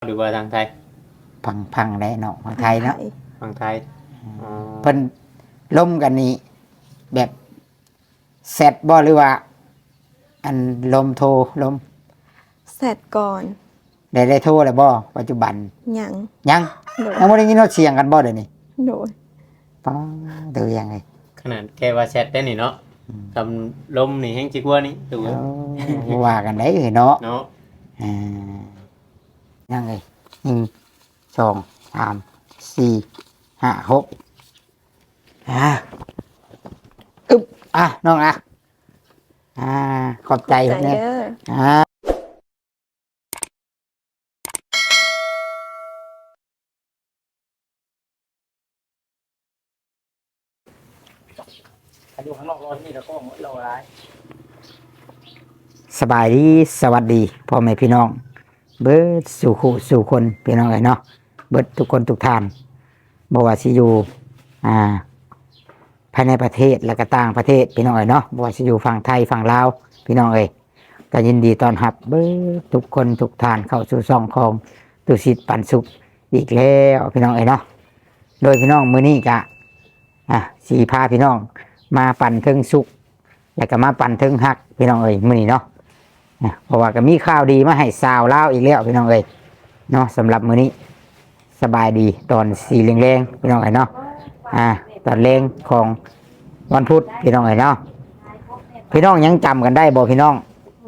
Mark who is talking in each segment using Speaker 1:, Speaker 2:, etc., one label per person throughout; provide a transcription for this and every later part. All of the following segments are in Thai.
Speaker 1: หรือว่าทางไทย
Speaker 2: พังได้เนาะฝั่งไทยเนาะ
Speaker 1: ฝั่งไทยอ๋อ
Speaker 2: เพิ่นล่มกันนี่แบบแซดบ่หรือว่าอันลมโทรลม
Speaker 3: เสร็จก่อน
Speaker 2: ได้โทรแล้วบ่ปัจจุบัน
Speaker 3: ยัง
Speaker 2: ยัง
Speaker 3: โดย
Speaker 2: ยังบ่ได้ยินเสียงกันบ่เดี๋ยวนี้
Speaker 3: โดย
Speaker 2: ป้าดูยังไง
Speaker 1: ขนาดแค่ว่าแชทได้นี่เนาะทำลมนี่แห้งจิกว่านี่ดู
Speaker 2: ว่ากันได้เนาะ
Speaker 1: เนาะ
Speaker 2: อ่ายังไง1 2 3 4 5 6อึบน้องขอบใจ
Speaker 3: ใจ
Speaker 2: เนี่ย
Speaker 3: เด้อ
Speaker 2: อยู่ข้างนอกรอที่นี่แล้วก็หมดรออะไรสบายดีสวัสดีพ่อแม่พี่น้องเบิดสู่คนพี่น้องเลยเนาะเบิดทุกคนทุกท่านบอกว่าสิอยู่ภายในประเทศและก็ต่างประเทศพี่น้องเลยเนาะบอกว่าสิอยู่ฝั่งไทยฝั่งลาวพี่น้องเลยก็ยินดีต้อนรับเบิดทุกคนทุกท่านเข้าสู่ช่องของตุสิทธิ์ปันสุขอีกแล้วพี่น้องเลยเนาะโดยพี่น้องมื้อนี้ก็สีพาพี่น้องมาปั่นเทิงสุขแล้วก็มาปั่นเทิงหักพี่น้องเอ้ยมื้อนี้เนาะเพราะว่าก็มีข่าวดีมาให้สาวลาวอีกแล้วพี่น้องเอ้ยเนาะสำหรับมื้อนี้สบายดีตอนสีแรงๆพี่น้องเอ้ยเนาะตอนแรงของวันพุธพี่น้องเอ้ยเนาะพี่น้องยังจำกันได้บ่พี่น้อง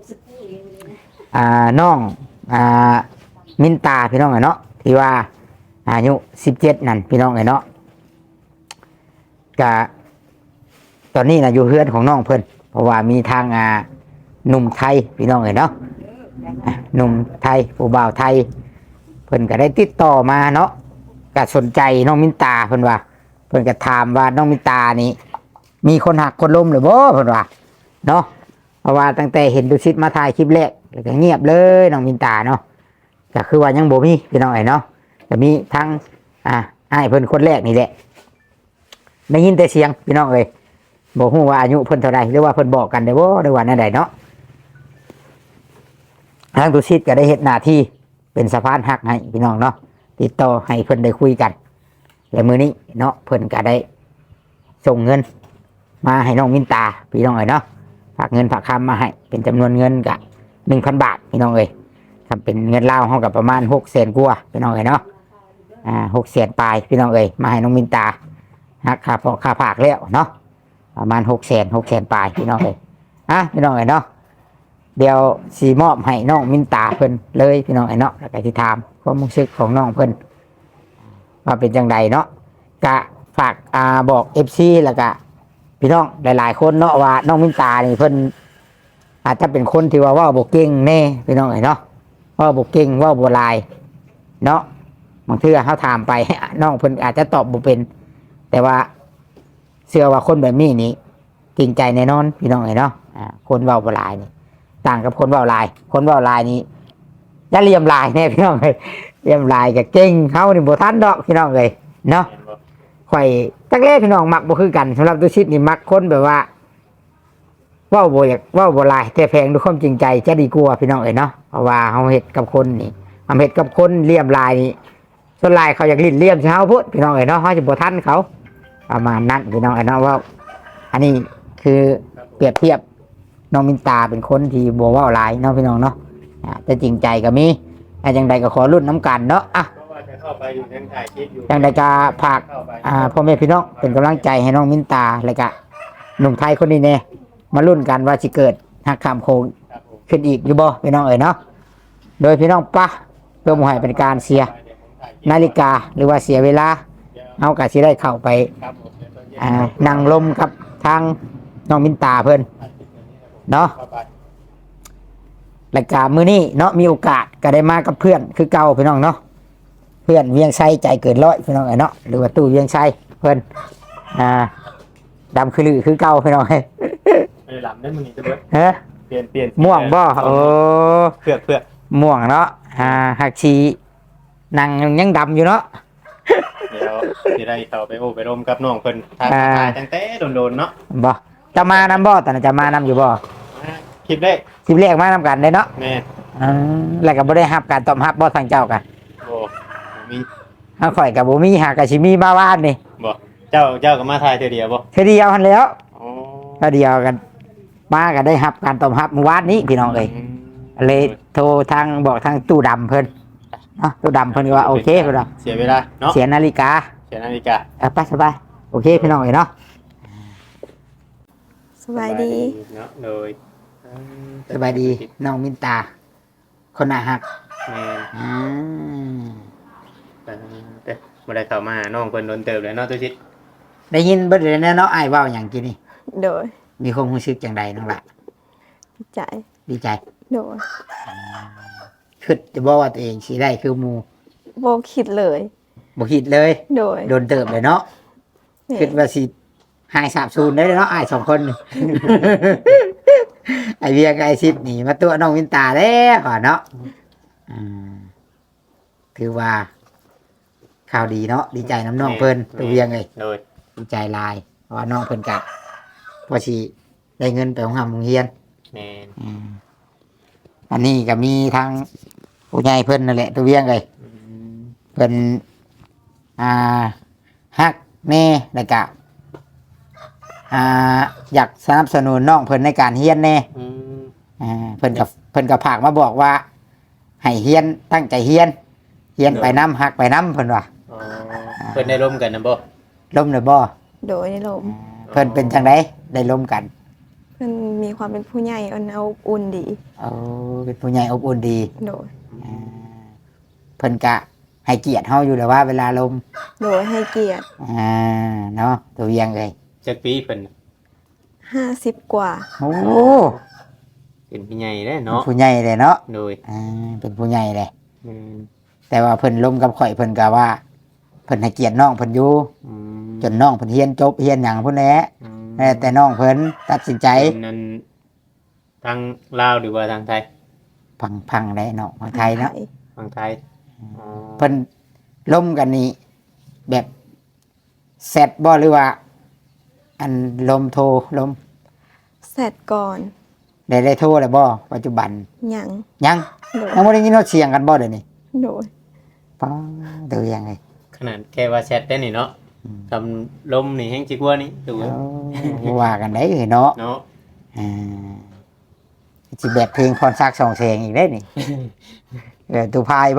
Speaker 2: น้องมินตาพี่น้องเอ้ยเนาะที่ว่าอายุ17นั่นพี่น้องเอ้ยเนาะก็ตอนนี้นะอยู่เฮือนของน้องเพิ่นเพราะว่ามีทางหนุ่มไทยพี่น้องเห็นเนาะหนุ่มไทยผู้บ่าวไทยเพิ่นก็ได้ติดต่อมาเนาะก็สนใจน้องมินตาเพิ่นว่าเพิ่นก็ถามว่าน้องมินตานี่มีคนหักคนล้มหรือบ่เพิ่นว่าเนาะเพราะว่าตั้งแต่เห็นดูซิดมาถ่ายคลิปแรกแล้วก็เงียบเลยน้องมินตาเนาะก็คือว่ายังบ่มีพี่น้องเนาะก็มีทั้งอ้ายเพิ่นคนแรกนี่แหละได้ยินแต่เสียงพี่น้องเอ้ยบอกฮู้ว่าอายุเพิ่นเท่าไรหรือว่าเพิ่นบอกกันได้บ่ได้ว่าแนวใดเนาะทางตุชิตก็ได้เฮ็ดหน้าที่เป็นสะพานหักให้พี่น้องเนาะติดต่อให้เพิ่นได้คุยกันและมื้อนี้เนาะเพิ่นก็ได้ส่งเงินมาให้น้องมินตาพี่น้องเอ้ยเนาะฝากเงินฝากคำมาให้เป็นจำนวนเงินก็ 1,000 บาทพี่น้องเอ้ยถ้าเป็นเงินลาวเฮาก็ประมาณ600,000กว่าพี่น้องเอ้ยเนาะ600,000ปลายพี่น้องเอ้ยมาให้น้องมินตาหักค่าพอค่าฝากแล้วเนาะประมาณ600,000ปลายพี่น้องเลยพี่น้องเอ้ยเนาะเดี๋ยวสีมอบให้น้องมินตาเพิ่นเลยพี่น้องเอ้ยเนาะแล้วก็ที่ถามความรู้สึกของน้องเพิ่นว่าเป็นจังใดเนาะกะฝากบอก FC แล้วก็พี่น้องหลายๆคนเนาะว่าน้องมินตานี่เพิ่นอาจจะเป็นคนที่ว่าบ่เก่งแน่พี่น้องเอ้ยเนาะว่าบ่เก่งว่าบ่ลายเนาะบางทีเขาถามไปน้องเพิ่นอาจจะตอบบ่เป็นแต่ว่าเชื่อว่าคนแบบนี้นี่จริงใจแน่นอนพี่น้องเอ้ยเนาะคนเว้าบ่หลายนี่ต่างกับคนเว้าหลายคนเว้าหลายนี่จะเลี่ยมลายแน่พี่น้องเอ้ยเลี่ยมลายก็เก่งเฮานี่บ่ทันดอกพี่น้องเอ้ยเนาะข่อยตั้งแต่พี่น้องมักบ่คือกันสำหรับตุชิตนี่มักคนแบบว่าเว้าบ่อยากเว้าบ่หลายแต่แพงด้วยความจริงใจจะดีกว่าพี่น้องเอ้ยเนาะเพราะว่าเฮาเฮ็ดกับคนนี่เฮ็ดกับคนเลี่ยมลายนี่ส่วนลายเขาอยากลิ้นเลี่ยมใช่เฮาพุดพี่น้องเอ้ยเนาะเฮาสิบ่ทันเขาประมาณนั้นพี่น้องไอ้น้องว่าอันนี้คือเปรียบเทียบน้องมินตาเป็นคนที่บัวว่าหลายน้องพี่น้องเนาะจะจริงใจก็มีอย่างใดก็ขอรุ่นน้ำกันเนาะอย่างใดก็ฝากพ่อแม่พี่น้องเป็นกำลังใจให้น้องมินตาแล้วก็หนุ่มไทยคนนี้เนี่ยมารุ่นกันว่าจะเกิดหักคำโคงขึ้นอีกอยู่บ่พี่น้องเอ๋ยเนาะโดยพี่น้องปะเพื่อมให้เป็นการเสียนาฬิกาหรือว่าเสียเวลาเอากะสิได้เข้าไปนั่งลมกับทางน้องมินตาเพิ่นเนาะรายการมื้อนี้เนาะมีโอกาสก็ได้มากับเพื่อนคือเก่าพี่น้องเนาะเพื่อนเวียงไซใจเกินร้อยพี่น้องเนาะหรือว่าตู้เวียงไซเพิ่นดำคือลือคือเก่าพี่น้อง
Speaker 1: ไม่หลับได้มื้อนี้จะเบิดเปลี่ยน
Speaker 2: ม่วงบ่
Speaker 1: เพื่อ
Speaker 2: ม่วงเนาะหักชีนั่งยังดำอยู่เนาะ
Speaker 1: เดี๋ยวสิได้เข้าไปโอ้ไปร่มกับน้องเพิ่นทางตั้งแต่โดนๆเนาะ
Speaker 2: บ่จะมานำบ่ตอนจะมานำอยู่บ่
Speaker 1: คลิปแรก
Speaker 2: มานำกันได้เนาะ
Speaker 1: แม่
Speaker 2: แล้วก็บ่ได้รับการตอบรับบ่ทางเจ้ากัน
Speaker 1: มี
Speaker 2: ถ้าข่อยกับบ่มีหากะสิมีมาบ้านนี่
Speaker 1: บ่เจ้าก็มาถ่ายเทื่อเดียวบ่
Speaker 2: เทอเดียวหันแหล้ว
Speaker 1: อ๋อ
Speaker 2: เทอเดียวกันมาก็ได้รับการตอบรับเมื่อวานนี้พี่น้องเอ้ยเลยโทรทางบอกทางตู้ดำเพิ่นเนาะตู้ดำเพิ่นก็ว่าโอเคเพิ่นว่า
Speaker 1: เสียเวลาเนาะ
Speaker 2: เสียนาฬิกา
Speaker 1: เสียนาฬิกา
Speaker 2: ไปสบายโอเคพี่น้องเอ้ยเนาะ
Speaker 3: สบายดี
Speaker 1: เนาะโดย
Speaker 2: สบายดีน้องมินตา คนน่าฮัก
Speaker 1: แม่น
Speaker 2: อืม
Speaker 1: แต่บ่ได้เข้ามาหาน้องเพิ่นโดนเติบเลยเนาะตุชิต
Speaker 2: ได้ยินเบิดเลยนะเนาะอ้ายเว้าหยังกินนี่
Speaker 3: โดย
Speaker 2: มีความรู้สึกจังใดน้องละ
Speaker 3: ดีใจ
Speaker 2: ดีใจ
Speaker 3: โดย
Speaker 2: คิดจะบอกว่าตัวเองสิได้คือหมู่
Speaker 3: โบคิดเลย
Speaker 2: บ่คิดเลย
Speaker 3: โดย
Speaker 2: โดนเติบเลยเนาะ
Speaker 3: แม่
Speaker 2: คิดว่าสิหายสาบสูญได้เลยเนาะอ้ายสองคนนี่ ไอเวียกับไอซิดนี่มาตัวน้องวินตาแล้วก่อนเนาะอืมถือว่าข่าวดีเนาะดีใจน้ำน้องเพิ่นตัวเวียงเลย
Speaker 1: โดย
Speaker 2: ดีใจหลายเพราะว่าน้องเพิ่นกะพอสิได้เงินไปของหำโรงเรียน
Speaker 1: แม่น
Speaker 2: อืมอันนี้ก็มีทางผู้ใหญ่เพิ่นนั่นแหละตัวเวียงเลย
Speaker 1: อืม
Speaker 2: เพิ่นอ่าฮักแน่แล้วก็อยากสนับสนุนน้องเพิ่นในการเฮียนแน่
Speaker 1: อืม
Speaker 2: เพิ่นกับผากมาบอกว่าให้เฮียนตั้งใจเฮียนเฮียนไปน้ำหักไปน้ำเพิ่นว่า
Speaker 1: อ๋อเพิ่นได้ร่วมกันนะบ่
Speaker 2: ล้มเลยบ่
Speaker 3: โดยในลม
Speaker 2: เพิ่นเป็นจังไดได้ล้มกัน
Speaker 3: มันมีความเป็นผู้ใหญ่อ่อนเอาอุ่นดี
Speaker 2: เอาเป็นผู้ใหญ่อบอุ่นดี
Speaker 3: โดย
Speaker 2: อ่าเพิ่นกะให้เกียรติเฮาอยู่แล้วว่าเวลาล้ม
Speaker 3: โดยให้เกียรติ
Speaker 2: เนาะตัวเวียงเลย
Speaker 1: จักปีเพิ่น
Speaker 3: 50 กว่า
Speaker 2: โอ้
Speaker 1: เป็นพี่ใหญ่แล้วเนาะ
Speaker 2: ผู้ใหญ่เลยเนาะ
Speaker 1: โดย
Speaker 2: เป็นผู้ใหญ่เลย
Speaker 1: แม่น
Speaker 2: แต่ว่าเพิ่นล้มกับข่อยเพิ่นกะว่าเพิ่นให้เกียรติน้องเพิ่นอยู่
Speaker 1: อืม
Speaker 2: จนน้องเพิ่นเฮียนจบเฮียนหยังพุ่นแหละ
Speaker 1: อืม
Speaker 2: แต่น้องเพิ่นตัดสินใจ
Speaker 1: เป็นนั้นทางลาวหรือว่าทางไทย
Speaker 2: พังได้เนาะของไทยเนาะ
Speaker 1: ทางไทยอ๋อ
Speaker 2: เพิ่นล้มกันนี่แบบเสร็จบ่หรือว่า อันลมโทรลม
Speaker 3: เสร็จก่อน
Speaker 2: ได้โทรแล้วบ่ปัจจุบัน
Speaker 3: หยัง
Speaker 2: ยัง
Speaker 3: โดย
Speaker 2: ยังบ่ได้ยินเสียงกันบ่เดี๋ยวนี้
Speaker 3: โดย
Speaker 2: ป้าเดี๋ยวยังไง
Speaker 1: ขนาดแค่ว่าแชทได้นี่เนาะทำลมนี่แห้งจิกว่านี่ดู
Speaker 2: เอาว่ากันได้เนาะ
Speaker 1: เนาะ
Speaker 2: อ่าสิแบบเพลงพรซักดิ์สองแสงอีกได้นี่ ตูพายบ่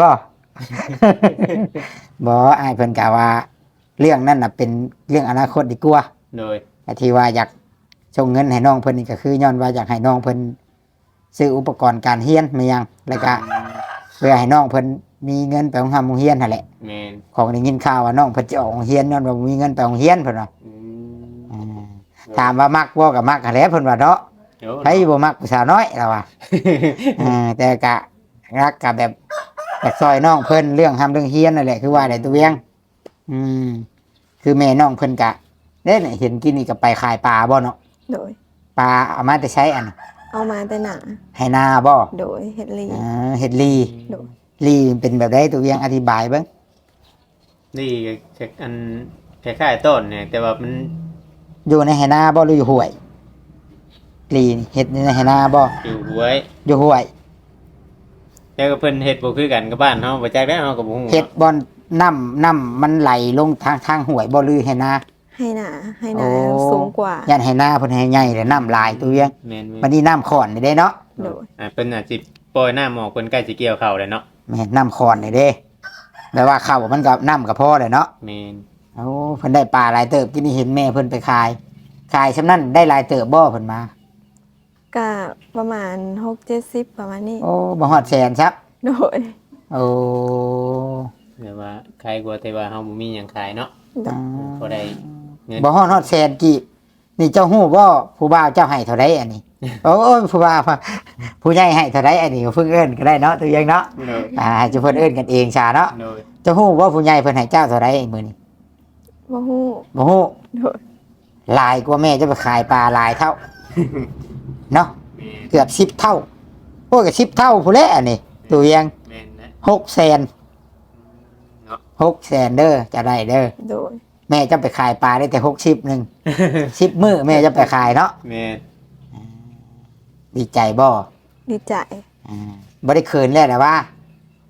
Speaker 2: บ่อ้ายเพิ่นกะว่า เรื่องนั้นน่ะเป็นเรื่องอนาคตดีกว่า
Speaker 1: โดย
Speaker 2: แต่ที่ว่าอยากส่งเงินให้น้องเพิ่นนี่ก็คือย้อนว่าอยากให้น้องเพิ่นซื้ออุปกรณ์การเรียนมายังแล้วก็เพื่อให้น้องเพิ่นมีเงินไปโรงเรียนนั่นแหละ
Speaker 1: แมน
Speaker 2: ของได้ยินข่าวว่าน้องเพิ่นจะออกโรงเรียนย้อนว่าบ่มีเงินไปโรงเรียนเพิ่นว่า
Speaker 1: อืม
Speaker 2: อ่าถามว่ามักบ่ก็มักหั้นแหละเพิ่นว่าเนาะ
Speaker 1: เดี๋ยว
Speaker 2: ใครบ่มักผู้สาวน้อยล่ะว่า แต่ก็รักกับแบบอยากซอยน้องเพิ่นเรื่องทำเรื่องเรียนนั่นแหละคือว่าได้ตัวเวียง อืมคือแม่น้องเพิ่นกะเด้เนี่ยเห็นกินนี่ก็ไปขายปลาบ่เนาะ
Speaker 3: โดย
Speaker 2: ปลาเอามาแต่ใช้อัน
Speaker 3: เอามาแต่หนา
Speaker 2: ให้นาบ่
Speaker 3: โดยเฮ็ดลี
Speaker 2: เห็ดลี
Speaker 3: โดย
Speaker 2: ลีเป็นแบบใดตัวเวียงอธิบายเบิ่ง
Speaker 1: นี่เช็คอันคล้ายๆต้นเนี่ย แต่ว่ามัน
Speaker 2: อยู่ในไหนาบ่หรืออยู่ห้วยลีนี่เห็ดในไหนาบ่
Speaker 1: อยู่หวย
Speaker 2: อยู่ห้วย
Speaker 1: แล้วก็เพิ่นเฮ็ดบ่คือกันกับบ้านเฮาบ่จักได้เฮาก็บ่ฮู้
Speaker 2: เห็ดบ่อนน้ำมันไหลลงทางห้วยบ่หรือไหนา
Speaker 3: ให้หนาให้หนา
Speaker 2: โอ้
Speaker 3: สูงกว่า
Speaker 2: ยันไหนาเพิ่นให้ใหญ่แล้วน้ำลายตัวเวียง
Speaker 1: แม่น
Speaker 2: วันนี้น้ำขอนนี่เด้เนาะ
Speaker 3: โดย
Speaker 1: เพิ่นอาจสิปล่อยน้ำออกเพิ่นใกล้สิเกี่ยวข้าวแล้วเนาะ
Speaker 2: แม่นน้ำขอนนี่เด้แปลว่าข้าวมันก็น้ำก็พอเลยเนาะ
Speaker 1: แม่น
Speaker 2: โอ้เพิ่นได้ปลาหลายเติบกินนี่เห็นแม่เพิ่นไปขายซำนั้นได้หลายเติบบ่เพิ่นมา
Speaker 3: ก็ประมาณ6-70ประมาณนี้
Speaker 2: โอ้บ่ฮอดแสนซับ
Speaker 3: โดย
Speaker 2: โอ้
Speaker 1: แต่ว่าใครกลัวแต่ว่าเฮาบ่มีหยังขายเนาะพอได้เงิน
Speaker 2: บ่ฮอดแสนกี่นี่เจ้าฮู้บ่ผู้บ่าวเจ้าให้เท่าใดอันนี้ โอ้ยผู้บ่าวผู้ใหญ่ให้เท่าใดอันนี้เพิ่งเอิ้นก็ได้เนาะตัวเองเนาะ
Speaker 1: โดย
Speaker 2: ให้เจ้าเพิ่นเอิ้นกันเองซะเนาะ
Speaker 1: โดย
Speaker 2: เจ้าฮู้บ่ผู้ใหญ่เพิ่นให้เจ้าเท่าใดมื้อนี้
Speaker 3: บ่ฮู้
Speaker 2: บ่ฮู้
Speaker 3: โดย
Speaker 2: หลายกว่าแม่จะไปขายปลาหลายเท่าเนาะ
Speaker 1: แม่น
Speaker 2: เกือบ10เท่าโอ้ยก็10เท่าพุ่นแหละอันนี้ตัวเอง
Speaker 1: แม่นนะ
Speaker 2: 6แสน
Speaker 1: เนาะ
Speaker 2: 6แสนเด้อจะได้เด้อ
Speaker 3: โดย
Speaker 2: แม่จะไปขายปลาได้แต่60นึง10มื้อแม่จะไปขายเนาะ
Speaker 1: แม่น
Speaker 2: ดีใจบ่
Speaker 3: ดีใจ
Speaker 2: บ่ได้เขินแล้วแต่ว่า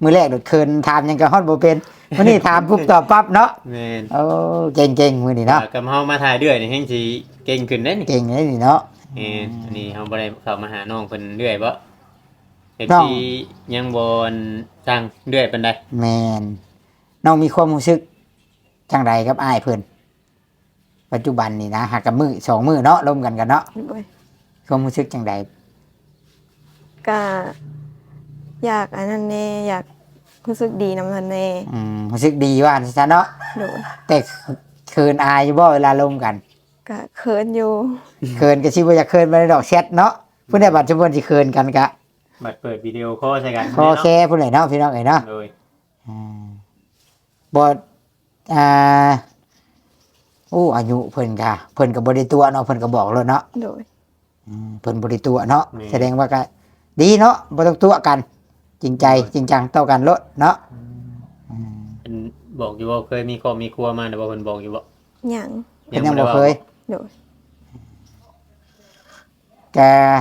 Speaker 2: มือแรกโดดเคินถามหยังก็ฮอดบ่เป็นมื้อนี้ถามปุ๊บตอบปั๊บเนาะ
Speaker 1: แม่น
Speaker 2: โอ้เก่งๆมื้อนี้เนาะ
Speaker 1: กับเฮามาถ่ายเรื่อยนี่แฮงสิเก่งขึ้นเด้นี่
Speaker 2: เก่งเลยนี่เนาะ
Speaker 1: อันนี้เฮาบ่ได้เข้ามาหาน้องเพิ่นเรื่อยบ่
Speaker 2: น้อง
Speaker 1: FC ยังบ่สั่งเรื่อยปานใด
Speaker 2: แม่นน้องมีความรู้สึกจังใดกับอ้ายเพิ่นปัจจุบันนี่นะหากกับมือสองมือเนาะร่วมกันกันเนาะ
Speaker 3: โดย
Speaker 2: ความรู้สึกจังใด
Speaker 3: ก็อยากอันนั้นแน่อยากรู้สึกดีนำเพิ่นแน่
Speaker 2: รู้สึกดีว่าซะเนาะ
Speaker 3: โดย
Speaker 2: แต่เคินอายอยู่บ่เวลาร่วมกัน
Speaker 3: ก็เขินอยู่
Speaker 2: เคินก็สิบ่อยากเคินบ่ได้ดอกแชทเนาะผู้ใดบัดจุบันสิเคินกันกะ
Speaker 1: บัดเปิดวิดีโอคอลใส่กัน
Speaker 2: คอแค่ผู้ใดเนาะพี่น้องเอ้ยเนาะ
Speaker 1: โดย
Speaker 2: อ่าบ่อ่าอายุเพิ่นก็บ่ได้ตัวเนาะเพิ่นก็บอกแล้วเนาะ
Speaker 3: โดย
Speaker 2: เพิ่นบ่ได้ตัวเนาะแสดงว่าก็ดีเนาะบ่ต้องตัวกัน จริงใจจริงจังต่อกันโลดเนาะ
Speaker 1: เพิ่นบอกอยู่ว่าเคยมีครอบมีครัวมาแต่ว่าเพิ่นบอกอยู่บ่
Speaker 3: หยัง
Speaker 2: เพิ่นยังบ่เคย
Speaker 3: โดย
Speaker 2: แก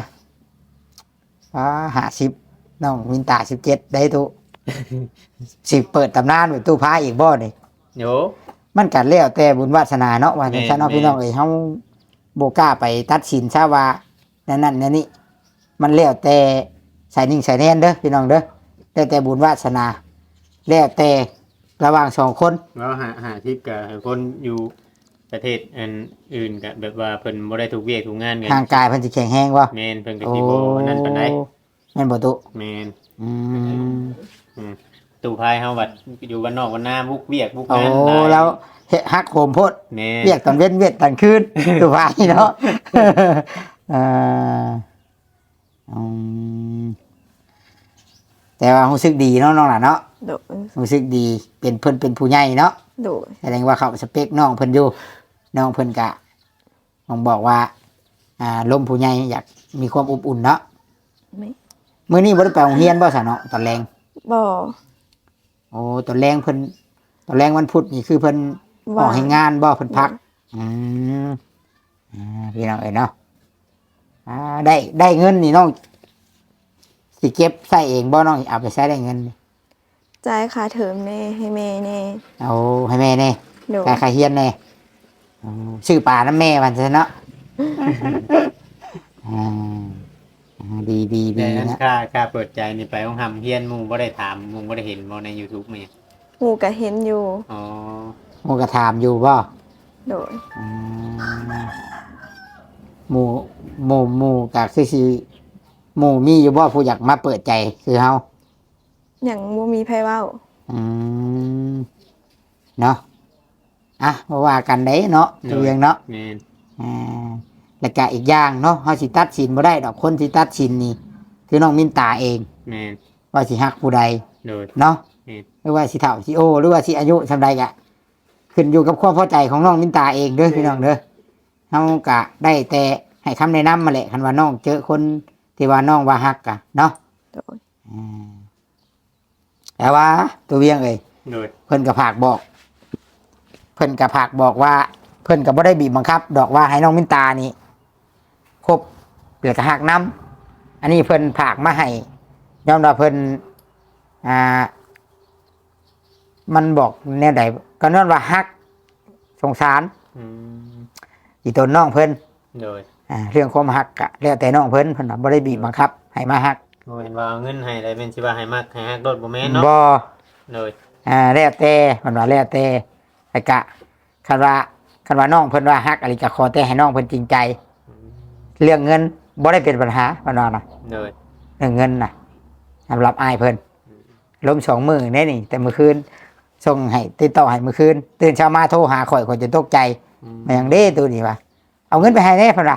Speaker 2: 50น้องวินตา17ได้ตุ สิเปิดตำนานไว้ตู้พาอีกบ่นี่
Speaker 1: โย
Speaker 2: มันก็แล้วแต่บุญวาสนาเนาะว่าจังซั่นเนาะ
Speaker 1: แม่น
Speaker 2: พี่น้องเอ้ยเฮาบ่กล้าไปตัดสินซะว่านั่นนี่มันแล้วแต่สายนิ่งสายแน่นเด้อพี่น้องเด้อแล้วแต่บุญวาสนาแล้วแต่ระหว่างสองคน
Speaker 1: แล้วหาทิปกับคนอยู่ประเทศอันอื่นก็แบบว่าเพิ่นบ่ได้ถูกเวียกถูกงานกัน
Speaker 2: ทางกายเพิ่นสิแข็งแรงบ่
Speaker 1: แม่นเพิ่นก็สิบ่นั่นปานใด
Speaker 2: แม่นบ่ตุ
Speaker 1: แม่น
Speaker 2: อืม
Speaker 1: ตู้พายเฮาบัดอยู่บ้านนอกบ้านนาบุกเวียกบุก
Speaker 2: โอ้
Speaker 1: งานหาย
Speaker 2: แล้วเฮ็ดฮักโหมโพด
Speaker 1: แม่น
Speaker 2: เรียกตอนเว้นเวียดตอนคืน ตัวพายเนาะอ่าอืมแต่ว่ารู้สึกดีเนาะน้องล่ะเนาะ
Speaker 3: โดย
Speaker 2: รู้สึกดีเป็นเพิ่นเป็นผู้ใหญ่เนาะ
Speaker 3: โดย
Speaker 2: แสดงว่าเขาสเปคน้องเพิ่นอยู่น้องเพิ่นกะผมบอกว่าลมผู้ใหญ่อยากมีความอบอุ่นเนาะ
Speaker 3: ไม่
Speaker 2: มื้อนี้บ่ได้ไปโรงเรียนบ่ซะเนาะตอนแรง
Speaker 3: บ่
Speaker 2: โอ้ตอนแรงเพิ่นตอนแรงวันพุธนี่คือเพิ่นออกให้งานบ่เพิ่นพักอืมพี่น้องเอ้ยเนาะได้เงินนี่น้องสิเก็บใส่เองบ่น้องเอาไปใช้ได้เงิน
Speaker 3: จ่ายค่าเทอมแน่ให้แม่แน่
Speaker 2: เอาให้แม่แน่
Speaker 3: โดย
Speaker 2: ค่าเฮียนแน่ชื่อป่าน้ำแม่วันซะเนาะดีดี
Speaker 1: แต่
Speaker 2: ดี
Speaker 1: นั้น
Speaker 2: นะ
Speaker 1: ค่าเปิดใจนี่ไปของหำเฮียนหมู่บ่ได้ถามหมู่บ่ได้เห็นบ่ใน YouTube มั้ย
Speaker 3: หมู่ก็เห็นอยู่
Speaker 1: อ๋อ
Speaker 2: หมูกระถามอยู่บ่
Speaker 3: โดย
Speaker 2: อืมหมูกะคือสิหมูมีอยู่บ่ผู้อยากมาเปิดใจคือเฮา
Speaker 3: หยังบ่มีไผเว้า
Speaker 2: อืมเนาะบ่ว่ากันได้เนาะตัวเองเนาะ
Speaker 1: แม่น
Speaker 2: อ่าแล้วก็อีกอย่างเนาะเฮาสิตัดสินบ่ได้ดอกคนที่ตัดสินนี่คือน้องมินตาเอง
Speaker 1: แม่น
Speaker 2: ว่าสิฮักผู้ใด
Speaker 1: โดย
Speaker 2: เนาะ
Speaker 1: อืม
Speaker 2: หรือว่าสิเฒ่าสิโอหรือว่าสิอายุสำใดกะขึ้นอยู่กับความพอใจของน้องมินตาเองเด้อพี่น้องเด้อเฮากะได้แต่ให้คำแนะนำมาแหละคันว่าน้องเจอคนที่ว่าน้องว่าฮักกะเนาะ
Speaker 3: โดย
Speaker 2: แต่ว่าตัวเวียงเอ้ย
Speaker 1: โดย
Speaker 2: เพิ่นก็ฝากบอก เพิ่นก็ฝากบอกว่า เพิ่นก็บ่ได้บีบบังคับ ดอกว่าให้น้องมินตานี่ครบเปลือกหักน้ำอันนี้เพิ่นฝากมาให้ยอมรับเพิ่นมันบอกแนวใดก็นั่นว่าฮักสงสาร
Speaker 1: อืม
Speaker 2: อีตนน้องเพิ่น
Speaker 1: โดย
Speaker 2: เรื่องความฮักก็แล้วแต่น้องเพิ่นเพิ่นน่ะบ่ได้บีบบังคับให้มาฮัก
Speaker 1: บ่เห็นว่าเอาเงินให้ได้เป็นสิว่าให้มักให้ฮักโดดบ่แม่นเนาะ
Speaker 2: บ่
Speaker 1: โดย
Speaker 2: แล้วแต่เพิ่นว่าแล้วแต่แต่กะคันว่าน้องเพิ่นว่าฮักอะไรก็ขอแต่ให้น้องเพิ่นจริงใจ เรื่องเงินบ่ได้เป็นปัญหาเพิ่นว่านะ
Speaker 1: โดย
Speaker 2: เรื่องเงินน่ะสำหรับอ้ายเพิ่นล้ม2 มื้อแน่นี่ แต่เมื่อคืนส่งให้ติดต่อให้เมื่อคืนตื่นเช้ามาโทรหาข่อยจะตกใจ มันยังเด้ตัวนี้ว่าเอาเงินไปให้แน่เพิ่นว่า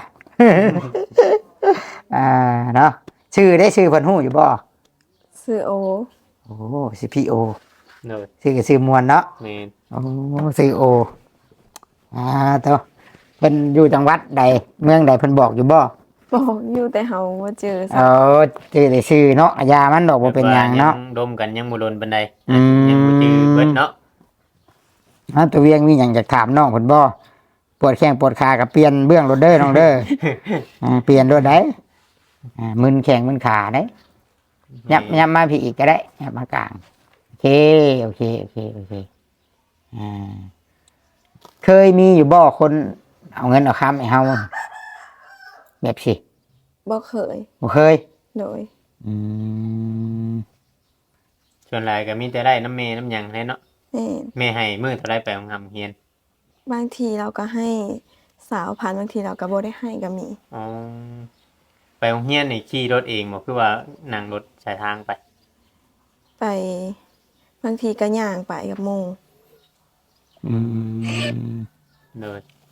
Speaker 2: เนาะชื่อได้ชื่อเพิ่นฮู้อยู่บ่
Speaker 3: ซื้อโอ
Speaker 2: โอ้สิพี่โอ
Speaker 1: โดย
Speaker 2: ชื่อก็ชื่อมวลเนาะ
Speaker 1: แม่น
Speaker 2: โอ้ชื่อโอตัวเพิ่นอยู่จังหวัดใดเมืองใดเพิ่นบอกอยู่บ่
Speaker 3: บอกอยู่แต่เฮาบ่เจอ
Speaker 2: เออชื่อได้ชื่อเนาะยามันดอกบ่เป็นหยังเนาะ
Speaker 1: ดมกันยังบ่โดนปานใด
Speaker 2: อืม
Speaker 1: ยังบ่จือเบิดเนาะ
Speaker 2: ตัวเวียงมีหยังอยากถามน้องเพิ่นบ่ปวดแข้งปวดขาก็เปลี่ยนเบื้องรถเด้อน้องเด้อ เปลี่ยนรถได้มึนแข้งมึนขาได้ยับมาพี่อีกก็ได้ยับมากลางเคโอเคโอเคโอเคอ่าเคยมีอยู่บ่คนเอาเงินเอาคำให้เฮาแบบสิ
Speaker 3: บ่เคย
Speaker 2: บ่เคย
Speaker 3: โดย
Speaker 2: อืม
Speaker 1: ส่วนหลายก็มีแต่ได้น้ำเมน้ำหยังแหล้เนาะ
Speaker 3: แม่น
Speaker 1: แม่ให้มื้อเท่าไรไปของเฮียน
Speaker 3: บางทีเราก็ให้20,000บางทีเราก็บ่ได้ให้ก็มี
Speaker 1: อ๋อไปโรงเรียนนี่ขี่รถเองบ่คือว่านั่งรถสายทางไป
Speaker 3: ไปบางทีก็ย่างไปกับหมู่
Speaker 2: อืม
Speaker 1: เลย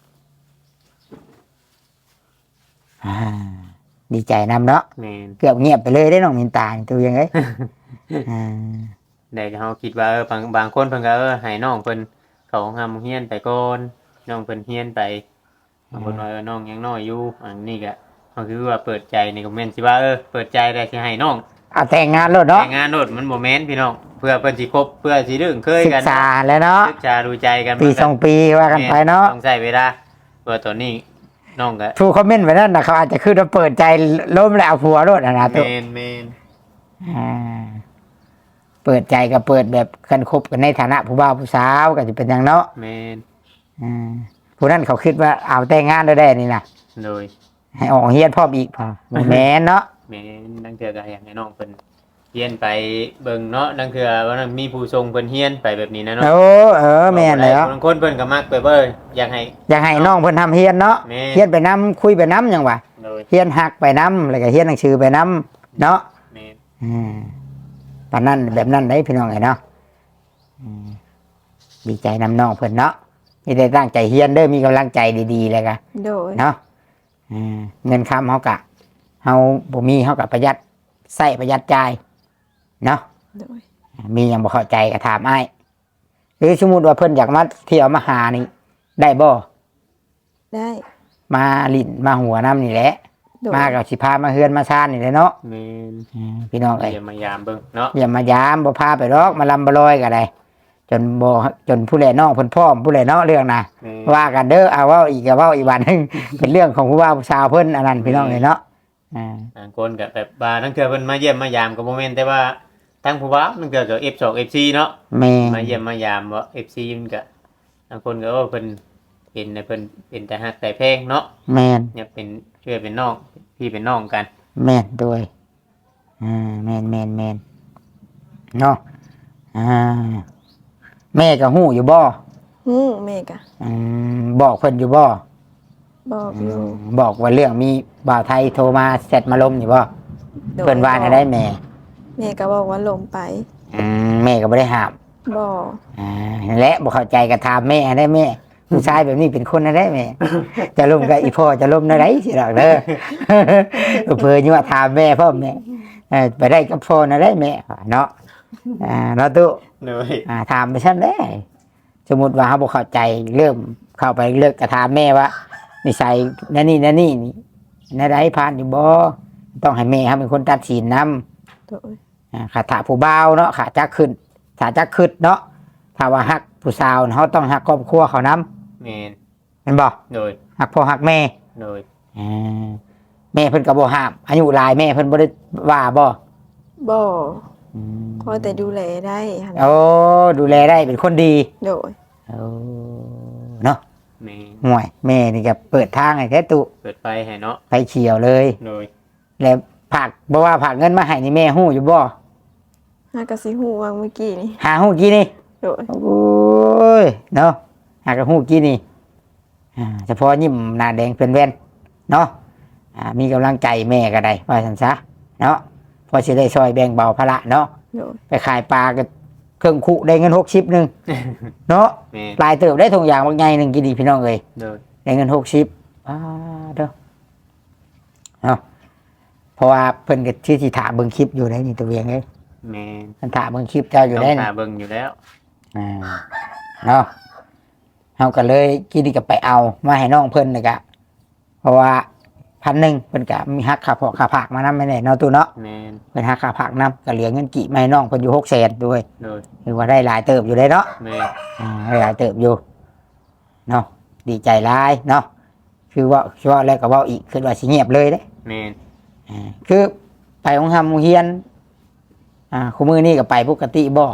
Speaker 2: อ่าดีใจนำเนาะ
Speaker 1: แม่น
Speaker 2: เกือบเงียบไปเลยได้น้องมินตานี่ตัวยังไงอ่า
Speaker 1: ได้ก็เฮาคิดว่าบางคนเพิ่นก็ให้น้องเพิ่นเข้าโรงเรียนไปก่อนน้องเพิ่นเรียนไปบางคนว่าน้องยังน้อยอยู่อันนี้ก็เฮาคือว่าเปิดใจนี่ก็แม่นสิว่าเปิดใจได้สิให้น้อง
Speaker 2: เอาแต่งงานแล้วเนาะ
Speaker 1: แต่งงานโนดมันบ่แม่นพี่น้องเพื่อเพิ่นสิคบเพื่อสิดึงเคย
Speaker 2: ศึ
Speaker 1: กั
Speaker 2: ก
Speaker 1: น
Speaker 2: ษาแล้วเนาะ
Speaker 1: ศึกษาดูใจกัน
Speaker 2: ปีสองปีว่ากันไปเนาะ
Speaker 1: ต้องใช้เวลาเพื่อตัวนี้น้องก็
Speaker 2: ทูคอมเมนต์ไปนั่นนะเขาอาจจะคือเราเปิดใจล้มแล้วเอาผัวรถนะ
Speaker 1: แม
Speaker 2: ตัวน
Speaker 1: แมน
Speaker 2: อ่าเปิดใจกับเปิดแบบกันคบกันในฐานะผู้บ่าวผู้สาวก็จะเป็นอย่างเนาะ
Speaker 1: แมน
Speaker 2: อ่าผู้นั้นเขาคิดว่าเอาแต่งงานได้ได้นี่นะ
Speaker 1: โดย
Speaker 2: ให้ออกเฮียนพ่อมอีกพอบ่แม่นเนาะ
Speaker 1: แมนนั่งเถื่อก็อยากให้น้องเพิ่นเฮียนไปเบิ่งเนาะนั่งเถื่อว่านั่นมีผู้ทรงเพิ่นเฮียนไปแบบนี้นะเนาะ
Speaker 2: โอ้แม่นแล้ว
Speaker 1: บางคนเพิ่นก็มักไปเบิ่งอยากให้
Speaker 2: อยากให้น้องเพิ่นทำเฮียนเนาะ
Speaker 1: แม่
Speaker 2: เฮียนไปน้ำคุยไปน้ำหยังวะ
Speaker 1: โดย
Speaker 2: เฮียนหักไปน้ำแล้วก็เฮียนหนังสือไปน้ำเนาะ
Speaker 1: แมน
Speaker 2: อืมตอนนั้นแบบนั้นได้พี่น้องไงเนาะอืมดีใจนำน้องเพิ่นเนาะมีแต่ตั้งใจเฮียนเด้อมีกำลังใจดีๆเลยกะ
Speaker 3: โดย
Speaker 2: เนาะอืมเงินคำเฮากะเฮาบ่มีเฮากะประหยัดใส่ประหยัดจ่ายเนาะ
Speaker 3: โดย
Speaker 2: มีหยังบ่เข้าใจก็ถามอ้ายหรือสมมุติว่าเพิ่นอยากมาเที่ยวมาหานี่ได้บ่
Speaker 3: ได้
Speaker 2: มาลิ้นมาหัวน้ำนี่แหละ
Speaker 3: โดย
Speaker 2: มากับสิพามาเฮือนมาซ่านนี่แหละเนาะ
Speaker 1: แมน
Speaker 2: พี่น้องเอ้ย
Speaker 1: เดี๋ยวมายามเบิ่งเนาะ
Speaker 2: อย่ามายามบ่พาไปหรอกมาลำบลอยก็ได้จนบ่จนผู้แลน้องเพิ่นพร้อมผู้แลเนาะเรื่องน่ะ
Speaker 1: แม่น
Speaker 2: ว่ากันเด้อเอาเว้าอีกก็เว้าอีกวันหนึง เป็นเรื่องของผู้ว่าผู้สาวเพิ่นอันนั้นพี่น้องเอ้ยเนาะอ่า
Speaker 1: บางคนก็แบบว่านั่งเถื่อเพิ่นมาเยี่ยมมายามก็บ่แม่นแต่ว่าทั้งผู้ว่านั่งเถื่อก็ F2 FC เนาะ
Speaker 2: แม่
Speaker 1: มาเยี่ยมมายามว่า FC มันก็บางคนก็ว่าเพิ่นเป็นในเพิ่นเป็นแต่ฮักแต่แพงเนาะ
Speaker 2: แม่น
Speaker 1: เนี่ยเป็นเชื่อเป็นน้องพี่เป็นน้องกัน
Speaker 2: แม่นด้วยแม่นเนาะอ่าแม่ก็ฮู้อยู่บ่
Speaker 3: ฮู้แม่ก็
Speaker 2: บอกเพิ่นอยู่บ่
Speaker 3: บอกอยู่
Speaker 2: บอกว่าเรื่องมีบ่าวไทยโทรมาเสร็จมาลมอยู่บ่
Speaker 3: โดย
Speaker 2: เพิ่นว่าได้แม่
Speaker 3: แม่ก็บอกว่าลมไป
Speaker 2: แม่ก็บ่ได้ห้าม
Speaker 3: บอก
Speaker 2: นั่นแหละบ่เข้าใจก็ถามแม่ได้แม่ผู้ชายแบบนี้เป็นคนได้แม่ จะล้มกับอีพ่อจะล้มได้สิดอกเด้อ เพิ่นอยู่ว่าถามแม่พ่อแม่ไปได้กับพ่อได้แม่เนาะเนาะตุ
Speaker 1: เลย
Speaker 2: ถามไปซั่นแหละสมมุติว่าเฮาบ่เข้าใจเริ่มเข้าไปเลิกก็ถามแม่ว่านิสัยนั่นนี่นี่ได้ผ่านอยู่บ่ต้องให้แม่เฮาเป็นคนตัดสินนำ
Speaker 3: โดย
Speaker 2: ขาถาผู้บ่าวเนาะขาจักขึ้นขาจักขึ้นเนาะถ้าว่าฮักผู้สาวเขาต้องฮักครอบครัวเขานำ
Speaker 1: แมน
Speaker 2: เห็นบ่
Speaker 1: โดย
Speaker 2: ฮักพ่อฮักแม่
Speaker 1: โดย
Speaker 2: แม่เพิ่นก็บ่ห้ามอายุหลายแม่เพิ่นบ่ได้ว่าบ่
Speaker 3: บอก
Speaker 2: อืม
Speaker 3: พอแต่ดูแลได้หั่น
Speaker 2: โอ้ดูแลได้เป็นคนดี
Speaker 3: โดย
Speaker 2: โอ้เนาะ
Speaker 1: แมน
Speaker 2: ห่วยแม่นี่ก็เปิดทางให้แท้ตุ
Speaker 1: เปิดไฟให้เนาะ
Speaker 2: ไฟเขียวเลย
Speaker 1: โดย
Speaker 2: แล้วผักบ่ว่าผักเงินมาให้นี่แม่ฮู้อยู่บ่
Speaker 3: หากะสิฮู้ว่าเมื่อกี้นี่
Speaker 2: หาฮู้กี่นี่
Speaker 3: โดย
Speaker 2: โอ้ยเนาะหากระหูกี้นี่เฉพาะยิ้มหน้าแดงเป็นแว่นเนาะมีกำลังใจแม่ก็ได้ว่าสันซะเนาะพอสิได้ซอยแบ่งเบาภาระเนาะ
Speaker 3: โดย
Speaker 2: ไปขายปลาก็เครื่องคุได้เงิน60นึงเนาะ
Speaker 1: แมน
Speaker 2: ปลายเติบได้ถุงยางบางไงหนึ่งกินดีพี่น้องเอ้ย
Speaker 1: โดย
Speaker 2: ได้เงิน60เด้อเนาะเพราะว่าเพิ่นก็ที่สิถามเบิ่งคลิปอยู่ได้นี่ตัวเองเอ้ย
Speaker 1: แมน
Speaker 2: เพิ่นถามเบิ่งคลิปเจ้าอยู่
Speaker 1: ต้อ
Speaker 2: ได้
Speaker 1: ง
Speaker 2: นี่
Speaker 1: หาเบิ่งอยู่แล้ว
Speaker 2: เนาะเฮาก็เลยกินดีกับไปเอามาให้น้องเพิ่นเลยกะเพราะว่า1,000เพิ่นก็มีหักค่าพอค่าผักมานำไม่แน่เนาะตู้เนาะ
Speaker 1: แมน
Speaker 2: เพิ่นหักค่าผักนำก็เหลือเงินกี่มาให้น้องเพิ่นอยู่600,000ด้วย
Speaker 1: โดย
Speaker 2: คือว่าได้หลายเติบอยู่ได้เนาะ
Speaker 1: แมน
Speaker 2: ได้หลายเติบอยู่เนาะดีใจหลายเนาะคือว่าแล้วก็เว้าอีกคือว่าสิเงียบเลยเด้
Speaker 1: แมน
Speaker 2: คือไปโรงเรียนคู่มือนี่ก็ไปปกติบ่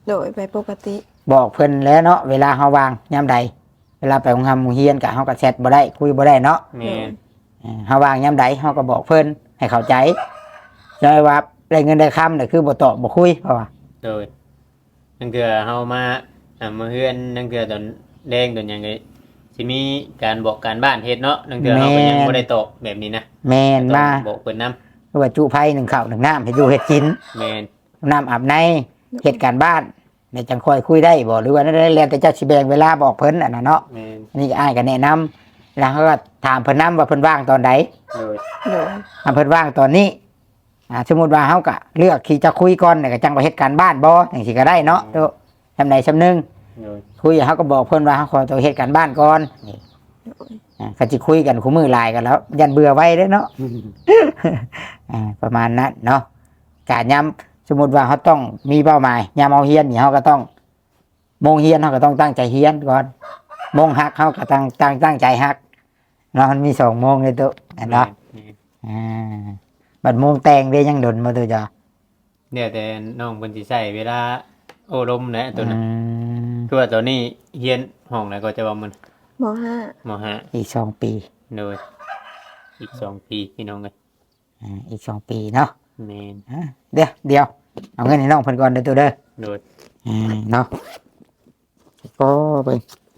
Speaker 3: โดยไปปกติ
Speaker 2: บอกเพิ่นแล้วเนาะเวลาเฮาวางยามใดเวลาไปโรงงานโรงเรียนก็เฮาก็แชทบ่ได้คุยบ่ได้เนาะ
Speaker 1: แม่น
Speaker 2: เฮาวางยามใดเฮาก็บอกเพิ่นให้เข้าใจใช่ว่าได้เงินได้คำน่ะคือบ่ตอบบ่คุยเพราะว่า
Speaker 1: โดยนั่นคือเฮามามาเฮือนนั่นคือตอนแดงตอนหยังไงสิมีการบอกการบ้านเฮ็ดเนาะนั่นคือเฮาก็ยังบ่ได้ตอบแบบนี้นะ
Speaker 2: แม่นมา
Speaker 1: บอกเพิ่นนํ
Speaker 2: คือว่าจุไผหนึ่งข้าวหนึ่งน้ำเฮ็ดอยู่เฮ็ดกิน
Speaker 1: แม่น
Speaker 2: น้ำอาบในเฮ็ดการบ้านในจังค่อยคุยได้บ่หรือว่านั่นได้แล้วแต่เจ้าสิแบ่งเวลาบอกเพิ่นอันน่ะเนาะ
Speaker 1: แม่น
Speaker 2: อันนี้ก็อ้ายก็แนะนำแล้วเขาก็ถามเพิ่นนํว่าเพิ่นว่างตอนใด
Speaker 1: โดย
Speaker 3: โดย
Speaker 2: ถ้าเพิ่นว่างตอนนี้สมมุติว่าเฮาก็เลือกที่จะคุยก่อนแล้วก็จังไปเฮ็ดการบ้านบ่จังซี่ก็ได้เนาะโตจำใดจำหนึง
Speaker 1: โดย
Speaker 2: คุยเฮาก็บอกเพิ่นว่าเฮาขอตัวเฮ็ดการบ้านก่อนนี่
Speaker 3: โดย
Speaker 2: ก็สิคุยกันคู่มือหลายกันแล้ว ยันเบื่อไว้เด้อเนาะ ประมาณนั้นเนาะการย้ำสมมติว่าเขาต้องมีเป้าหมายย้ำเอาเฮียนนี่เขาก็ต้องโมงเฮียนเขาก็ต้องตั้งใจเฮียนก่อนโมงฮักเขาก็ตั้งใจฮักเนาะมันมี2 โมงเลยตัวเนาะ
Speaker 1: แม่น
Speaker 2: บัดโมงแต่งได้ยังดนมาตัวจ้ะ
Speaker 1: เนี่ยแต่น้องเพิ่นสิใช้เวลาโอ้ลมนะตัวนั้น
Speaker 2: อืม
Speaker 1: คือว่าตัวนี้เฮียนห้องแล้วก็จะว่ามัน
Speaker 3: มห้าม
Speaker 1: ห้า
Speaker 2: อีก2 ปี
Speaker 1: โดยอีก2 ปีพี่น้องเอ้ย
Speaker 2: อีก2 ปีเนาะ
Speaker 1: แม่น
Speaker 2: เดี๋ยวเอาเงินให้น้องเพิ่นก่อนเด้อตัวเด้อ
Speaker 1: โดย
Speaker 2: เนาะก็ไป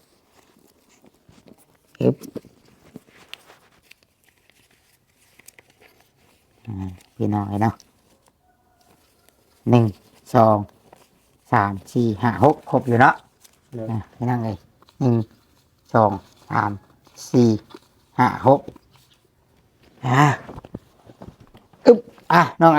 Speaker 2: อึบพี่น้องเลยเนาะ1 2 3 4 5 6ครบอยู่เนาะ
Speaker 1: โดย
Speaker 2: พี่น้องเลย1 2 3 4 5 6อึบน้อง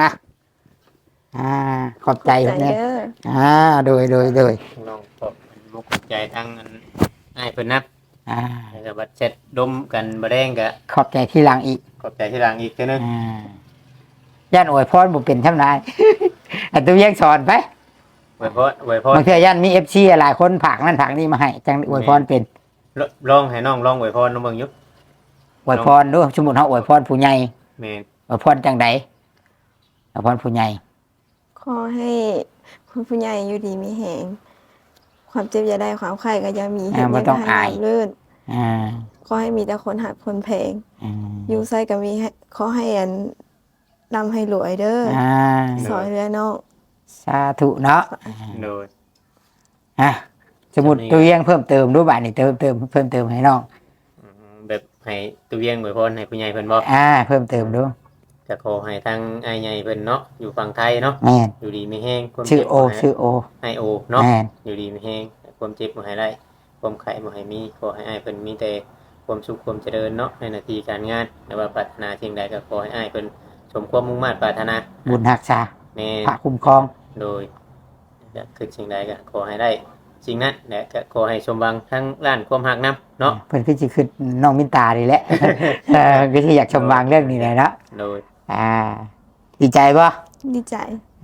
Speaker 2: ขอบใจ
Speaker 3: ใจ
Speaker 2: เนี่ย
Speaker 3: เด้อ
Speaker 2: โดย
Speaker 1: น้องขอบมุกขอบใจทั้งอันอ้ายเพิ่นนับ
Speaker 2: อ่า
Speaker 1: แล้วก็บัดเช็ดดมกันบ่แดงก็
Speaker 2: ขอบใจที่หลังอีก
Speaker 1: ขอบใจที่หลังอีกเทื่อนึง
Speaker 2: ย่านอวยพรบ่เป็นช่ำนาย อันตัวยังสอนไป
Speaker 1: อวยพร
Speaker 2: บางทีย่านมีFC หลายคนผากนั่นผากนี่มาให้จังอวยพรเป็น
Speaker 1: ลองให้น้องลองอวยพรน้องเบิ่งอยู่
Speaker 2: อวยพรดูสมมุติเฮาอวยพรผู้ใหญ่
Speaker 1: แม่น
Speaker 2: อวยพรจังใดอวยพรผู้ใหญ่
Speaker 3: ขอให้คุณผู้ใหญ่อยู่ดีมีแหงความเจ็บอย่าได้ความไข้ก็อย่ามีเห็นยังก็ให้ราบรื่น
Speaker 2: อ่า
Speaker 3: ขอให้มีแต่คนหักคนแพง
Speaker 2: อ่า
Speaker 3: อยู่ไสก็มีให้ขอให้อันร่ำให้รวยเด้อ
Speaker 2: อ่า
Speaker 3: ซอยเรือน้อง
Speaker 2: สาธุเนาะ
Speaker 1: โดย
Speaker 2: สมมุติตัวยังเพิ่มเติมดูบัดนี่เพิ่มเติมให้น้อง
Speaker 1: แบบให้ตัวเวียงอวยพรให้ผู้ใหญ่เพิ่นบ่
Speaker 2: เพิ่มเติมดู
Speaker 1: ก็ขอให้ทางอ้ายใหญ่เพิ่นเนาะอยู่ฝั่งไทยเนาะ
Speaker 2: แม่น
Speaker 1: อยู่ดีมีแห้งความ
Speaker 2: ชื่อ
Speaker 1: เจ็บ
Speaker 2: โอ
Speaker 1: บ่ให้
Speaker 2: ชื่อโอ
Speaker 1: ให้โอเนาะ
Speaker 2: แม่น
Speaker 1: อยู่ดีมีแห้งความเจ็บบ่ให้ได้ความไข้บ่ให้มีขอให้อ้ายเพิ่นมีแต่ความสุขความเจริญเนาะในหน้าที่การงานแต่ว่าปรารถนาสิ่งใดก็ขอให้อ้ายเพิ่นสมความมุ่งมั่นปรารถนา
Speaker 2: บุญรักษา
Speaker 1: แม่
Speaker 2: พระคุ้มครอง
Speaker 1: โดยจะคือสิ่งใดก็ขอให้ได้สิ่งนั้นและก็ขอให้สมหวังทั้งด้านความหักนํเนาะ
Speaker 2: เพิ่นคือสิคือน้องมินตานี่แหละ ก็สิอยากชมวางเรื่องนี้แหละเนาะ
Speaker 1: โดย
Speaker 2: ดีใจป่ะ
Speaker 3: ดีใจ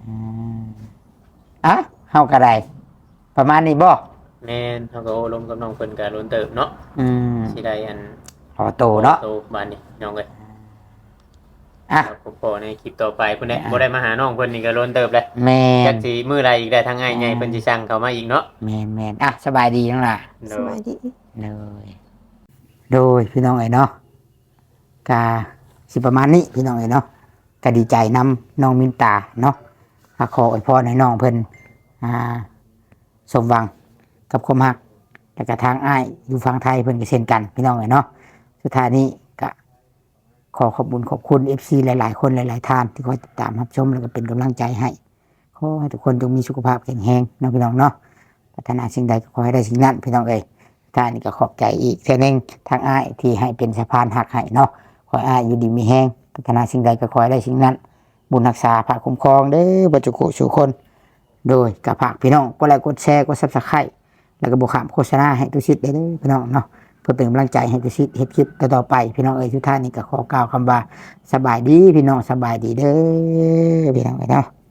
Speaker 2: เฮาก็ได้ประมาณนี้บ่
Speaker 1: แม่นเฮาก็โอ้ลมกับน้องเพิ่นก็ล้นเติบเนาะ
Speaker 2: อืม
Speaker 1: สิได้อัน
Speaker 2: ขอโตเนาะ
Speaker 1: โตบ้านนี้น้องเอ้ย
Speaker 2: อ่ะ
Speaker 1: ครับผมพอในคลิปต่อไปเพิ่นได้บ่ได้มาหาน้องเพิ่นนี่ก็ล้นเติบเลย
Speaker 2: แม่
Speaker 1: จั
Speaker 2: น
Speaker 1: กสิมื้อใดอีกได้ทางอ้ายใหญ่เพิ่นสิสั่งเข้ามาอีกเนาะ
Speaker 2: แม่นสบายดีจังล่ะ
Speaker 1: โด
Speaker 3: ส
Speaker 1: ย
Speaker 3: บายดี
Speaker 2: โดยพี่น้องเอ้ยเนาะกาสิประมาณนี้พี่น้องเอ้ยเนาะก็ดีใจนำน้องมินตาเนาะขออวยพรให้น้องเพิ่นสมหวังกับความรักแล้วก็ทางอ้ายอยู่ฝั่งไทยเพิ่นก็เช่นกันพี่น้องเอ้ยเนาะสุดท้ายนี้ก็ขอขอบคุณ FC หลายๆคนหลายๆท่านที่คอยติดตามรับชมแล้วก็เป็นกำลังใจให้ขอให้ทุกคนจงมีสุขภาพแข็งแรงเนาะพี่น้องเนาะปรารถนาสิ่งใดก็ขอให้ได้สิ่งนั้นพี่น้องเอ้ยท่านนี่ก็ขอบใจอีกเท่านึงทางอ้ายที่ให้เป็นสะพานหักให้เนาะขอให้อ้ายอยู่ดีมีแรงปรารถนาสิ่งใดก็ขอให้ได้สิ่งนั้น บุญรักษาพระคุ้มครองเด้อบัจจุกุสู่คน โดยกับฝากพี่น้องกดไลค์กดแชร์กดซับสไครต์แล้วก็บอกขามโฆษณาให้ตุชิดได้เด้อพี่น้องเนาะเพื่อเป็นกำลังใจให้ตุชิดเฮ็ดคลิปต่อๆไปพี่น้องเอ้ยทุกท่านนี่ก็ขอกล่าวคำว่าสบายดีพี่น้องสบายดีเด้อพี่น้องเอ้ยเนาะ